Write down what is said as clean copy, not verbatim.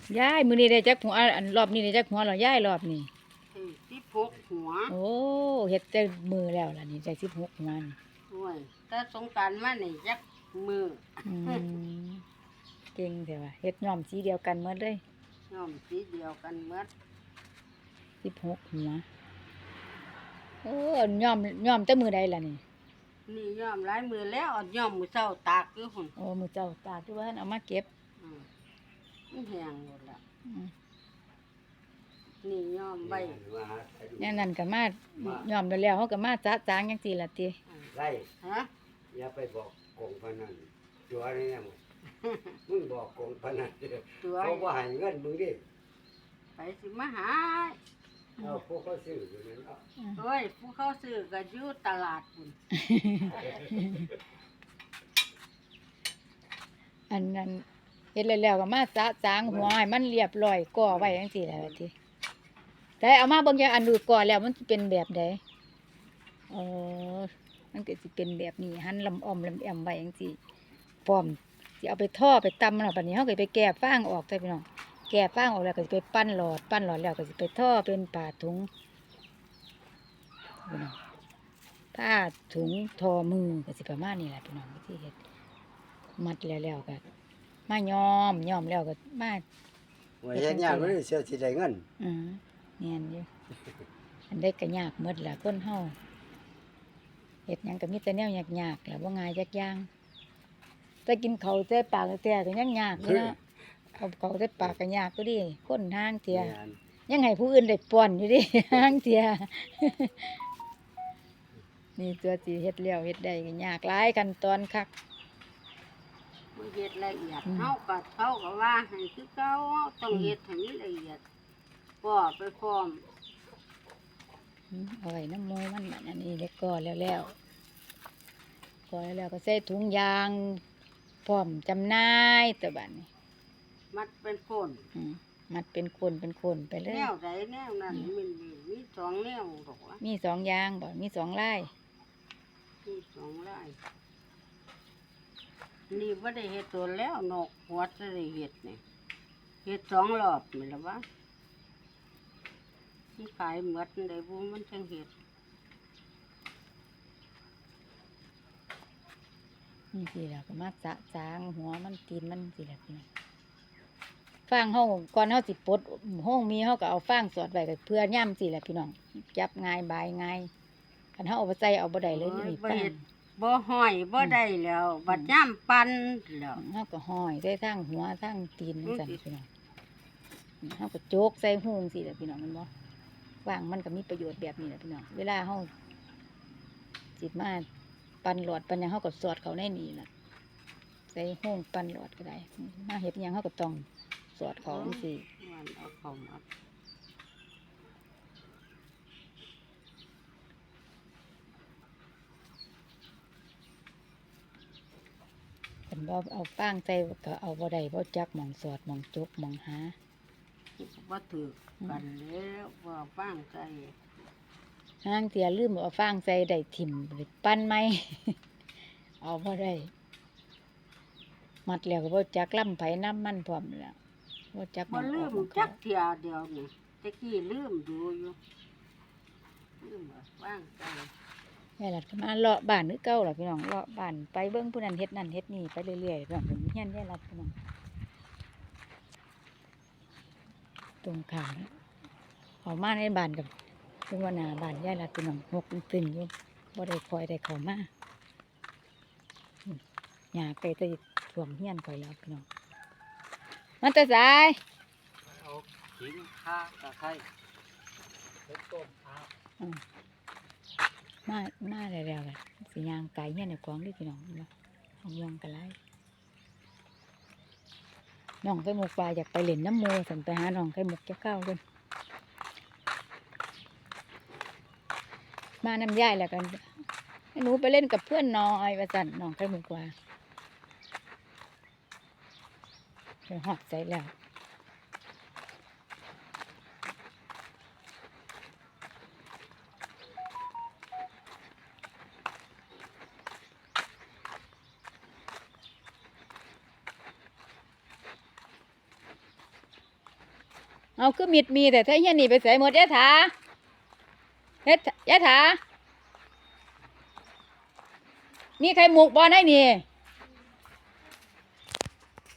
ยายมื้อนี้ได้จักหัวอันรอบนี้ได้จักหัวเหรอยายรอบนี้ 16หัวโอ้เฮ็ดแต่มือแล้วล่ะนี่ได้16หัวนี่โอ้ยถ้าสงกรานต์มานี่จักมืออืมเก่งแท้ว่าเฮ็ดย้อมสีเดียวกันหมดเลยย้อมสีเดียวกันหมด 16หัวโอ้ย้อมแต่มื้อใดล่ะนี่นี่ย้อมหลายมือแล้วย้อมมื้อเช้าตากอยู่หุ่นโอ้มื้อเจ้าตากอยู่ว่าเอามาเก็บอืมมันแห้งหมดแล้วอืมนี่ย้อมไว้อย่างนั้นก็มาย้อมแล้วเฮาก็มาจ๊ะจางจังซี่ล่ะติไล่ฮะอย่าไปบอกกงพนันตัวนี่นะมึงบอกกงพนันเขาบ่ให้เงินมึงดิไปสิมาหาเอาพวกเขาซื้ออยู่นั่นเอาโอ้ยผู้เขาซื้อก็อยู่ตลาดพุ่นอันนั้นเฮ็ดแล้วก็มาจ๊ะจางหัวให้มันเรียบร้อยก่อไว้จังซี่ล่ะติ แต่เอามาเบิ่งอย่างอันดูก่อนแล้วมันสิเป็นแบบใดอ๋อมันก็สิเป็นแบบนี้หั่นลำอ้อมลำแอมไว้จังซี่พร้อมสิเอาไปทอดไปตำแล้วบัดนี้เฮาก็ไปแก้ฟางออกใส่พี่น้องแก้ฟางออกแล้วก็สิไปปั้นหลอดแล้วก็สิไปทอดเป็นผ้าถุงพี่น้องผ้าถุงทอมือก็สิประมาณนี้แหละพี่น้องวิธีเฮ็ดมัดแล้วก็มาย้อมแล้วก็มาว่าเฮ็ดยากมันเสียสิได้เงินแม่นอยู่ อันใดก็ยากหมดล่ะคนเฮาเฮ็ดหยังก็มีแต่แนวยากๆล่ะบ่ง่ายจักอย่างแต่กินข้าวแต่ปากแต่ก็ยังยากอยู่นะเอาข้าวแต่ปากก็ยากอยู่ดิคนทางเที่ยยังให้ผู้อื่นได้ป้อนอยู่ดิ ทางเที่ย นี่ตัวสิเฮ็ดแล้วเฮ็ดได้ก็ยากหลายขั้นตอนคักมันเฮ็ดละเอียดเขาก็ว่าให้คือเก่าต้องเฮ็ดให้มันละเอียดก็ไปพร้อมเอาไว้น้ำมูมันบัดอันนี้แล้วก็แล้วก็ใส่ถุงยางพร้อมจำหน่ายแต่บัดนี้มัดเป็นคนมัดเป็นคนไปเลยแนวใดแนวนั้นมันมี2แนวดอกวะมี2อย่างบ่มี2ลายมี2ลายนี่บ่ได้เฮ็ดตัวแล้วนกหัวจะได้เฮ็ดนี่เฮ็ด2รอบแม่นล่ะวะที่ขายหมดได้บ่มันจังเฮ็ดนี่สิล่ะก็มาสะจางหัวมันตีนมันสิล่ะพี่น้องฟางเฮาก่อนเฮาสิปลดห้องมีเฮาก็เอาฟางสอดไว้ก็เพื่อย่ำสิล่ะพี่น้องจับง่ายบายง่ายคันเฮาเอาไปใส่เอาบ่ได้เลยนี่ฟางบ่ห้อยบ่ได้แล้วบัดย่ำปั่นแล้วเฮาก็ห้อยได้ทั้งหัวทั้งตีนจังซี่พี่น้องเฮาก็โจกใส่หูจังซี่ล่ะพี่น้องมันบ่ฟางมันก็มีประโยชน์แบบนี้ล่ะพี่น้องเวลาเฮาสิมาปั่นหลอดปั่นหยังเฮาก็สอดเข้าในนี่ล่ะใส่หูปั่นหลอดก็ได้มาเฮ็ดหยังเฮาก็ต้องสอดเข้าจังซี่มันเอาเข้ามาคันบ่เอาฟางใส่ก็เอาบ่ได้บ่จักหม่องสอดหม่องจกหม่องหาบ่ถูกกันแล้วว่าฟังใจห้างเที่ยลืมเอาฟางใส่ได้ถิ่มหรือปั้นไหม เอาบ่ได้มัดแล้วก็บ่จักลำไผน้ำมันพร้อมแล้วบ่จักบ่ลืมจักเที่ยเดียวนี่ตะกี้ลืมอยู่ลืมว่าฟังใจแม่ล่ะก็มาเลาะบ้านคือเก่าล่ะพี่น้องเลาะบ้านไปเบิ่งผู้นั้นเฮ็ดนั่นเฮ็ดนี่ไปเรื่อยๆพี่น้องเป็นเฮียนยายรัดพี่น้องตรงข้ามเข้ามาในบ้านกับซึ่งว่าหน้าบ้านยายรัดพี่น้องหกตึงอยู่บ่ได้คอยได้เข้ามาหญ้าไก่จะท่วมเฮียนข่อยแล้วพี่น้องมันแต่สายเอาขิงข่าตะไคร้เฮ็ดต้มมาแล้วๆกันสิย่างไก่เฮียนในของนี่พี่น้องเนาะเอาย่างกันไล่น้องไข่มุกปลาอยากไปเล่นน้ำโมสั่นไปหาน้องไข่มุกจะเข้าเลยมาน้ำย่ายแล้วกันให้หนูไปเล่นกับเพื่อนน้อยว่าสั่นน้องไข่มุกว่าไปหอดใจแล้วเอาคือมิดมีแต่ถ้าเฮียนี่ไปใส่หมดยะถาเฮ็ดยะถามีไข่มุกบ่ได้นี่